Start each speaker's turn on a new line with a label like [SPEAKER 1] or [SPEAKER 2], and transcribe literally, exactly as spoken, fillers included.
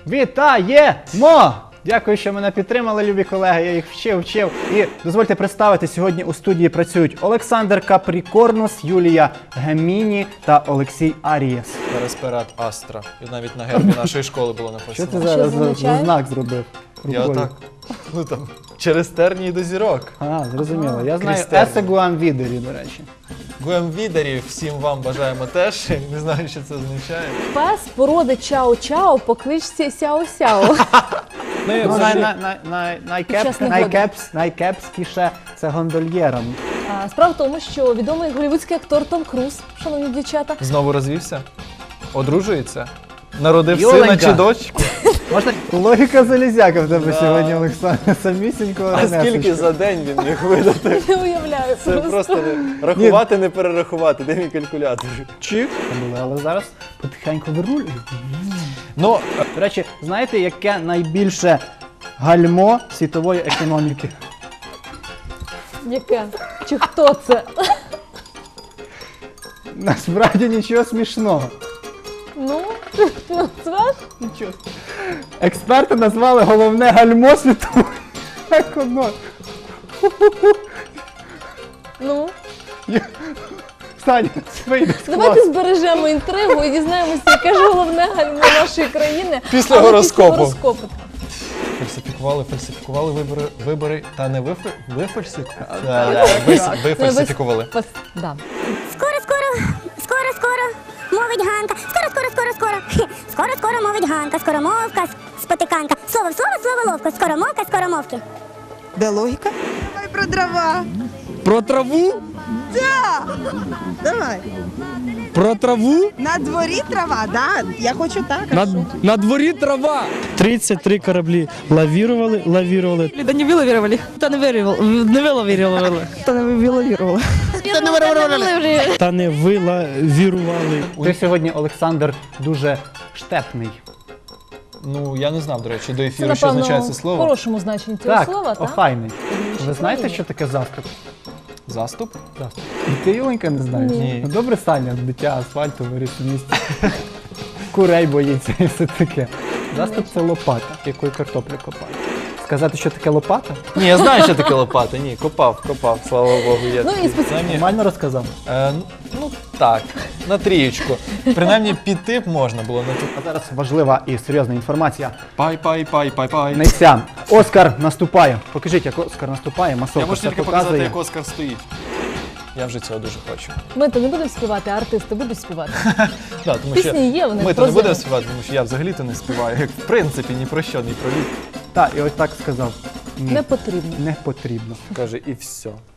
[SPEAKER 1] вітаємо! Дякую, що мене підтримали, любі колеги, я їх вчив, вчив. І дозвольте представити, сьогодні у студії працюють Олександр Капрікорнус, Юлія Геміні та Олексій Арієс.
[SPEAKER 2] Пересперед Астра. І навіть на гербі нашої школи було
[SPEAKER 1] Що
[SPEAKER 2] написано.
[SPEAKER 1] ти зараз за, за знак зробив?
[SPEAKER 2] Я
[SPEAKER 1] рукою?
[SPEAKER 2] так, ну там, через тернії до зірок.
[SPEAKER 1] А, зрозуміло. Я знаю
[SPEAKER 2] Крізь тернії.
[SPEAKER 1] есе Гуам Відері, до речі.
[SPEAKER 2] Гуемвідерів всім вам бажаємо теж. Не знаю, що це означає.
[SPEAKER 3] Пес породи чао-чао по кличці Сяо-Сяо.
[SPEAKER 2] Ми
[SPEAKER 1] Ну, най,
[SPEAKER 2] взагалі-
[SPEAKER 1] най, най, най, найкеп,
[SPEAKER 3] Час негоди.
[SPEAKER 1] найкепс, найкепськіше це гондольєром.
[SPEAKER 3] А, Справа в тому, що відомий голлівудський актор Том Круз, шановні дівчата,
[SPEAKER 2] Знову розвівся? Одружується? Народив
[SPEAKER 1] Юленька.
[SPEAKER 2] сина чи дочку?
[SPEAKER 1] Можна? Логіка залізяка в тебе
[SPEAKER 2] Да.
[SPEAKER 1] сьогодні, Олександр. Самісінького
[SPEAKER 2] А скільки
[SPEAKER 1] ремесочка.
[SPEAKER 2] за день він міг видати?
[SPEAKER 3] не уявляю.
[SPEAKER 2] Це просто не- рахувати, не перерахувати. Де мій калькулятор?
[SPEAKER 1] Чик. Але зараз потихеньку вернули.
[SPEAKER 2] Ну,
[SPEAKER 1] До речі, знаєте, яке найбільше гальмо світової економіки?
[SPEAKER 3] Яке? Чи хто це?
[SPEAKER 1] Насправді нічого смішного.
[SPEAKER 3] Ну, ти назвеш?
[SPEAKER 1] Нічого. Експерти назвали головне гальмо світової економіки.
[SPEAKER 3] Ну,
[SPEAKER 1] Саня, вийди з
[SPEAKER 3] давайте
[SPEAKER 1] класу.
[SPEAKER 3] збережемо інтригу і дізнаємося, яке ж головне гальмо нашої країни.
[SPEAKER 2] Після
[SPEAKER 3] Але
[SPEAKER 2] гороскопу.
[SPEAKER 3] Після гороскопу.
[SPEAKER 2] фальсифікували, фальсифікували вибори, вибори та не вифи, вифальсифікували. Вифальсифікували.
[SPEAKER 3] Пос- Да.
[SPEAKER 4] Скоро, скоро, скоро, скоро, мовить Ганка. Скоро, скоро, скоро, скоро. Хе. Скоро, скоро мовить Ганка. Скоромовка, спотиканка. Слово в слово, слово ловко. Скоромовка, скоромовки.
[SPEAKER 5] Де логіка?
[SPEAKER 6] Давай про дрова.
[SPEAKER 5] Про траву?
[SPEAKER 6] Давай.
[SPEAKER 5] Про траву?
[SPEAKER 6] На дворі трава, да? Я хочу так. а
[SPEAKER 5] На,
[SPEAKER 6] що?
[SPEAKER 5] на дворі трава.
[SPEAKER 7] тридцать три корабли лавировали, лавировали.
[SPEAKER 8] Да не виловировали. Та не вирівали. Не виловировали. Та не виловировали.
[SPEAKER 7] Та не вилавірували.
[SPEAKER 1] Ти сьогодні, Олександр, дуже штепний.
[SPEAKER 2] Ну, я не знав, до речі, до
[SPEAKER 3] Це,
[SPEAKER 2] ефіру, що означає
[SPEAKER 3] напевно,
[SPEAKER 2] це
[SPEAKER 3] в
[SPEAKER 2] слово.
[SPEAKER 3] хорошому значенні цього
[SPEAKER 1] Так,
[SPEAKER 3] слова, так?
[SPEAKER 1] охайний.
[SPEAKER 3] Інші
[SPEAKER 1] Ви знаєте,
[SPEAKER 3] країни.
[SPEAKER 1] що таке заступ?
[SPEAKER 2] Заступ?
[SPEAKER 1] Заступ. І ти, Юленька, не знаєш?
[SPEAKER 2] Ні.
[SPEAKER 1] Ну, добре, Саня, дитя асфальту виріс в місті. Курей боїться і все таке. Заступ – це лопата, якою картоплю копають. Сказати, що таке лопата?
[SPEAKER 2] Ні, я знаю, що таке лопата. Ні, копав, копав, слава Богу. Є
[SPEAKER 3] Ну,
[SPEAKER 2] такі.
[SPEAKER 3] і спеці-
[SPEAKER 2] Принаймні,
[SPEAKER 1] Нормально розказав?
[SPEAKER 2] е, ну, так, на трієчку. Принаймні, піти б можна було на ту.
[SPEAKER 1] А зараз важлива і серйозна інформація.
[SPEAKER 2] Пай, пай, пай, пай, пай.
[SPEAKER 1] Не ця. Оскар наступає. Покажіть, як Оскар наступає. Масовка
[SPEAKER 2] Я можу
[SPEAKER 1] все
[SPEAKER 2] тільки показати,
[SPEAKER 1] показує.
[SPEAKER 2] як Оскар стоїть. Я вже цього дуже хочу.
[SPEAKER 3] Ми то не будемо співати, а артисти будуть співати.
[SPEAKER 2] Да, тому
[SPEAKER 3] Пісні
[SPEAKER 2] що
[SPEAKER 3] є, вони
[SPEAKER 2] ми то не
[SPEAKER 3] прозорі.
[SPEAKER 2] будемо співати, тому що я взагалі-то не співаю. Як в принципі, ні про що, ні про вік.
[SPEAKER 1] Так, і ось так сказав. Ні,
[SPEAKER 3] Не потрібно.
[SPEAKER 1] не потрібно.
[SPEAKER 2] Каже, і все.